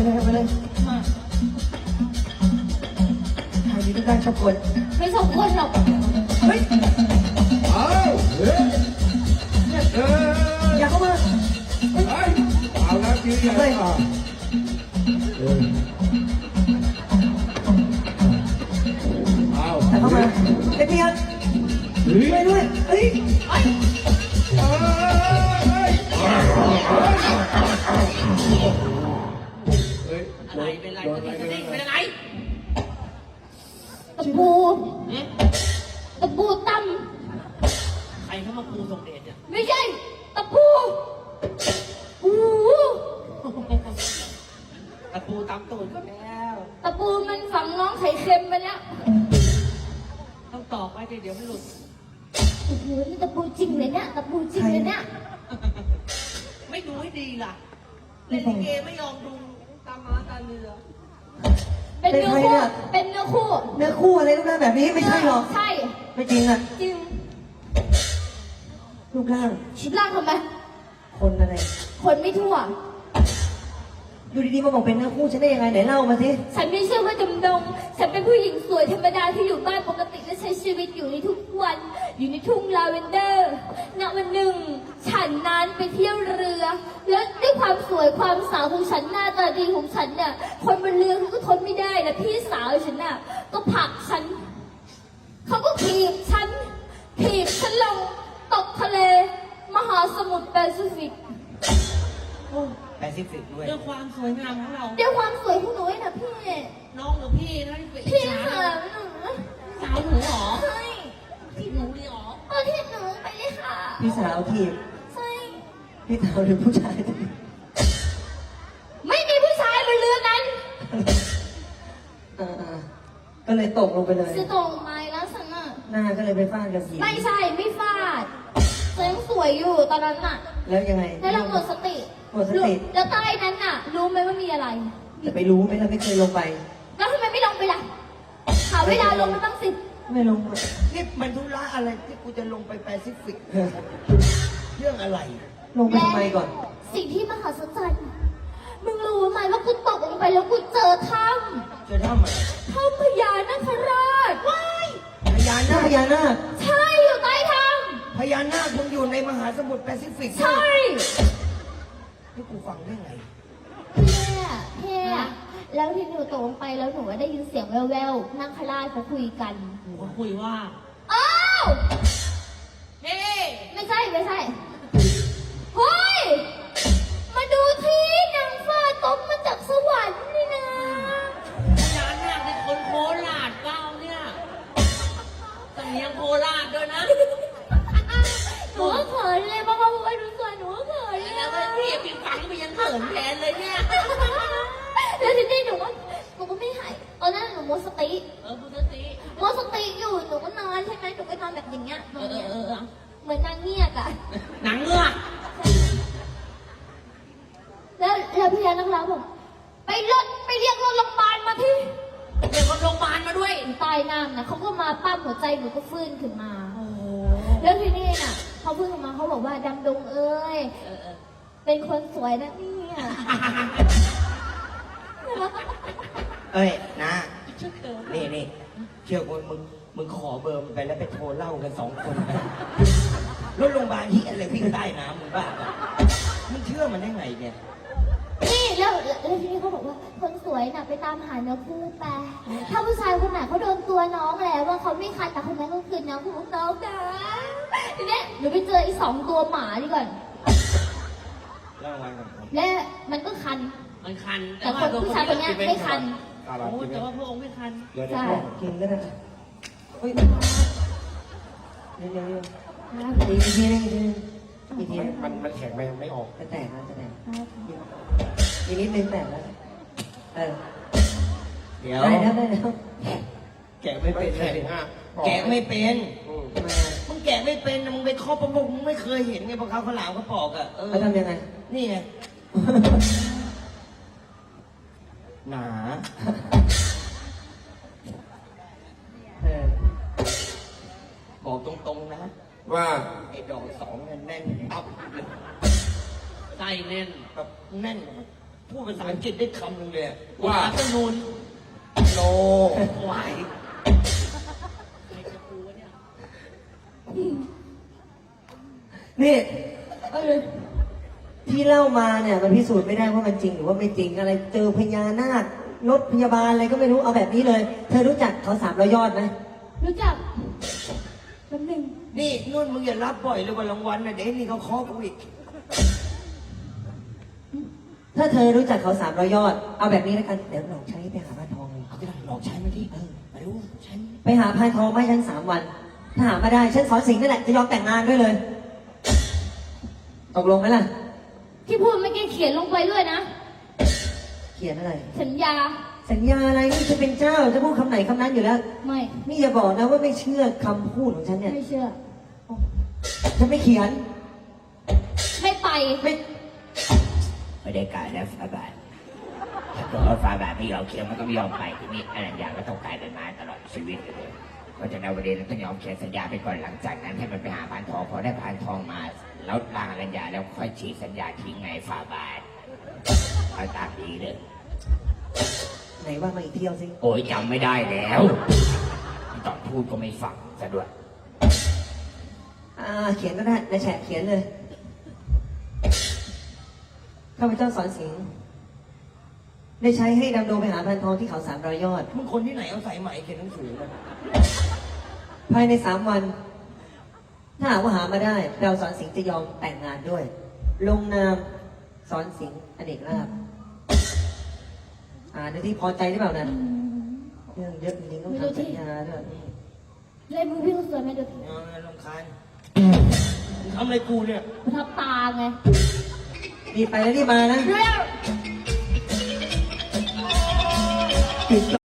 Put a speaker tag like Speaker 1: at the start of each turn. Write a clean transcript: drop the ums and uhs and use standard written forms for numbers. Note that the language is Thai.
Speaker 1: เลยไปเลย
Speaker 2: มา
Speaker 1: ชายมีทุกด้านชอบคน
Speaker 2: ไม่ชอบคนหรอก
Speaker 1: เฮ้ย
Speaker 3: เอาเฮ้ย
Speaker 1: อย่าเข้ามา
Speaker 3: เฮ้ยเอาแล้วทีใหญ่อ่ะเอา
Speaker 1: อย่าเข้ามาไอ้เพียรช่วยด้วยเฮ้ย
Speaker 2: อะไรเป็นไรเป็นอะไรตะปูตั้มใครเข้ามาปูส่งเดชอ่ะไม่ใช่ตะปูตะปูตำตูดก็แล้วตะปูมันฝังน้องไข่เค็มไปแล้วต้องตอกไว้เดี๋ยวมันหลุดโอ้โหนี่ตะปูจริงเลยเนี่ยตะปูจริงเลยเนี่ยไม่ดูให้ดีล่ะเล่นลิเกไม่ยอมดูตาม้าตาเรือเป็นเนื้อคู่เป็นเนื้อคู่
Speaker 1: เนื้อคู่อะไรรูปร่างแบบนี้ไม่ใช่หรอก
Speaker 2: ใช่
Speaker 1: ไม่จริงอ่ะ
Speaker 2: จริง
Speaker 1: รูปร่าง
Speaker 2: ชุดร่างทำไม
Speaker 1: คนอะไร
Speaker 2: คนไม่ทั่ว
Speaker 1: อยู่ดีๆมาบอกเป็นเนื้อคู่ฉันได้ยังไงไหนเล่ามาสิ
Speaker 2: ฉันไม่เชื่อว่าจำดงฉันเป็นผู้หญิงสวยธรรมดาที่อยู่บ้านปกติและใช้ชีวิตอยู่ในทุกวันอยู่ในทุ่งลาเวนเดอร์ณวันหนึ่งฉันนั้นไปเที่ยวเรือแล้วด้วยความสวยความสาวของฉันหน้าตาดีของฉันน่ะคนบนเรือเขาก็ทนไม่ได้นะพี่สาวฉันน่ะก็ผลักฉันเขาก็ถีบฉันลงตกทะเลมหาสมุทรแปซิฟิก
Speaker 3: แปซิฟิกด้วย
Speaker 2: ด้วยความสวยงามของเราด้วยความสวยของหนูนะพี่น้องหรือพี่นะพี่ค่ะสาวหนูหรอใช่พี่หนูเลยหรอพี่หนูไปเลยค่ะ
Speaker 1: พี่สาวทีบ
Speaker 2: ใช่
Speaker 1: พี่สาวหรือผู้ชาย
Speaker 2: ไม่มีผู้ชายบนเรือนั้น
Speaker 1: ก็เลยตกลงไปเลย
Speaker 2: จะตกไม้แล้วสันน่ะ
Speaker 1: หน้าก็เลยไปฟาดกับผี
Speaker 2: ไม่ใช่ไม่ฟาดยังสวยอยู่ตอนนั้นน่ะ
Speaker 1: แล้วยังไง
Speaker 2: แล้วเราหมดสติแล้วใต้นั้นน่ะรู้ไหมว่ามีอะไร
Speaker 1: จะไปรู้ไหมเราไม่เคยลงไป
Speaker 2: แล้วทำไมไม่ลงไปล่ะหาเวลาลงมาตั้ง10
Speaker 1: ไม่ลง
Speaker 3: นี่มันธุระอะไรที่กูจะลงไปแปซิฟิกเรื่องอะไร
Speaker 1: ลงไปทำไมก่อน
Speaker 2: สิ่งที่มหัศจรรย์มึงรู้ไหมว่ากูตกลงไปแล้วกูเจอถ้
Speaker 3: ำอะไร
Speaker 2: ถ้ำพญานาคราชว้าย
Speaker 1: พญานาค
Speaker 2: ใช่อยู่ใต้ถ้
Speaker 3: ำพญานาคมึงอยู่ในมหาสมุทรแปซิฟิก
Speaker 2: ใช่
Speaker 3: นี่กูฟังได้ไง
Speaker 2: แค่แล้วที่หนูตกลงไปแล้วหนูได้ยินเสียงแว่วๆนั่งคราชเขาคุยกันเขาคุยว่าอ้าวเฮ้ไม่ใช่เฮ้ยมาดูที่นางฟ้าตกมาจากสวรรค์นี่นะพญานาคเป็นคนโคราชเก้าเนี่ยสำเนียงโคราชด้วยนะหนูก็เขินเลยเพราะเขาบอกว่าหนูสวยหนูก็เขินเลยแล้วพี่ฟังไปยังเขินแทนเลยเนี่ยแล้วทีนี้หนูก็ไม่หายตอนนั้นหนูหมดสติหมดสติอยู่หนูก็นอนใช่ไหมหนูก็นอนแบบอย่างเงี้ยเหมือนนางเงือกอะนางเงือกแล้วพี่ยานักล่าบอกไปเรียกรถโรงพยาบาลมาที่เรียกรถโรงพยาบาลมาด้วยใต้น้ำนะเขาก็มาปั้มหัวใจหนูก็ฟื้นขึ้นมาแล้วทีนี้น่ะเขาฟื้นขึ้นมาเขาบอกว่าดำดงเอ้ยเป็นคนสวยนะเนี่ย
Speaker 3: เอ้ยนะนี่เชื่อมึงขอเบอร์มันไปแล้วไปโทรเล่ากัน2 คนรถโรงพยาบาลที่อะไรวิ่งใต้น้ำมึงบ้ามึงเชื่อมันได้ไงเนี่ย
Speaker 2: นี่แล้วทีนี้เขาบอกว่าคนสวยน่ะไปตามหาเนื้อคู่ไปถ้าผู้ชายคนไหนเขาโดนตัวน้องแล้วว่าเขาไม่คันแต่คนนั้นก็คือน้องของน้องนะทีนี้หนูไปเจออีก2 ตัวหมาดีก่อนและมันก็คันแต่คนผู้ชายคนนี้ไม่คันโอ้แต่ว่าพระองค์ไม่คัน
Speaker 1: ใช่กินก็ได้เฮ้ยเดี๋ยวอีกทีนึง
Speaker 3: มันแข็งไม่ออก
Speaker 1: จะแตกอีกนิดนึงแตกแล้ว
Speaker 3: เดี๋ยว
Speaker 1: ได้แล้ว
Speaker 3: แกะไม่เป็นแกะไม่เป็นมึงแกะไม่เป็นมึงไปเคาะประมุกมึงไม่เคยเห็นไงพอเขาขลามเขาปอกอ่ะ
Speaker 1: เขาทำยังไง
Speaker 3: นี่ไงหนาบอกตรงๆนะ
Speaker 4: ว่า
Speaker 3: ไอ้ดอก2แน่นตับ
Speaker 2: ใจแน่น
Speaker 3: แบบแน่นพูดภาษาอังกฤษได้คำหนึ่งเลย
Speaker 4: ว่า
Speaker 3: ตะนูนโนไหว
Speaker 1: นี่ที่เล่ามาเนี่ยมันพิสูจน์ไม่ได้ว่ามันจริงหรือว่าไม่จริงอะไรเจอพญานาครถพยาบาลอะไรก็ไม่รู้เอาแบบนี้เลย เธอรู้จักเขา300 ยอดไหม
Speaker 2: รู้จักแป๊บนึง
Speaker 3: นี่นุ่นมึงอย่ารับบ่อยเลยวันรางวัลนะเดี๋ยวนี่เขาเคาะกูอีก
Speaker 1: ถ้าเธอรู้จักเขา300 ยอด เอาแบบนี้แล้วกันเดี๋ยวหลอกใช้ไปหาพานทองเลย
Speaker 3: เอาที่ไหนลองใช้มาที่ไม่รู้ใช้
Speaker 1: ไปหาพานทองมาให้ฉัน3 วัน ถ้าหามาได้ฉันสอนสิงห์นั่นแหละจะยอมแต่งงานด้วยเลยตกลงไหมล่ะ
Speaker 2: ที่พูดเมื่อกี้เขียนลงไปด้วยนะ
Speaker 1: เขียนอะไร
Speaker 2: สัญญา
Speaker 1: สัญญาอะไรนี่จะเป็นเจ้าจะพูดคำไหนคำนั้นอยู่แล้ว
Speaker 2: ไม่
Speaker 1: นี่อย่าบอกนะว่าไม่เชื่อคำพูดของฉันเนี่ย
Speaker 2: ไม่เชื่อ
Speaker 1: ฉันไม่เขียน
Speaker 2: ไม่ไป
Speaker 3: ไม่ได้การแล้วฟาบาทถ้าเกิดว่าฟาบาทไม่ยอมเขียนมันก็ไม่ยอมไปทีนี้อะไรอย่างก็ต้องกลายเป็นมาตลอดชีวิตเลยเพราะฉะนั้นวันนี้เราต้องยอมเขียนสัญญาไปก่อนหลังจากนั้นให้มันไปหาพานทองพอได้พานทองมาแล้วลางสัญญาแล้วค่อยฉีกสัญญาทิ้งไงฟาบาทเอาตามดีเลย
Speaker 1: ไหนว่ามาอีกเที่ยวสิ
Speaker 3: โอ้ยจำไม่ได้แล้วตอนพูดก็ไม่ฟังซะด้วย
Speaker 1: เขียนก็ได้ในแฉะเขียนเลยข้าพเจ้าสอนสิงห์ได้ใช้ให้ดำดงไปหาพันทองที่เขา300 ยอด
Speaker 3: มึงคนที่ไหนเอาใส่ไหมเขียนหนังสือมา
Speaker 1: ภายใน3 วัน ถ้าหากว่าหามาได้ เราสอนสิงห์จะยอมแต่งงานด้วย ลงนามสอนสิงห์อเนกลาภดูที่พอใจหรือเปล่านะเรื่องเยอะจริงๆต้องทำสัญญาด้วย
Speaker 2: เลยมึงพี่สวยไหมดู
Speaker 3: เอาลำคาญทำอะไรกูเนี่ย
Speaker 2: ประทับตาไง
Speaker 1: รีบไปแล้วรีบมานะ
Speaker 2: เร็ว
Speaker 1: ปิด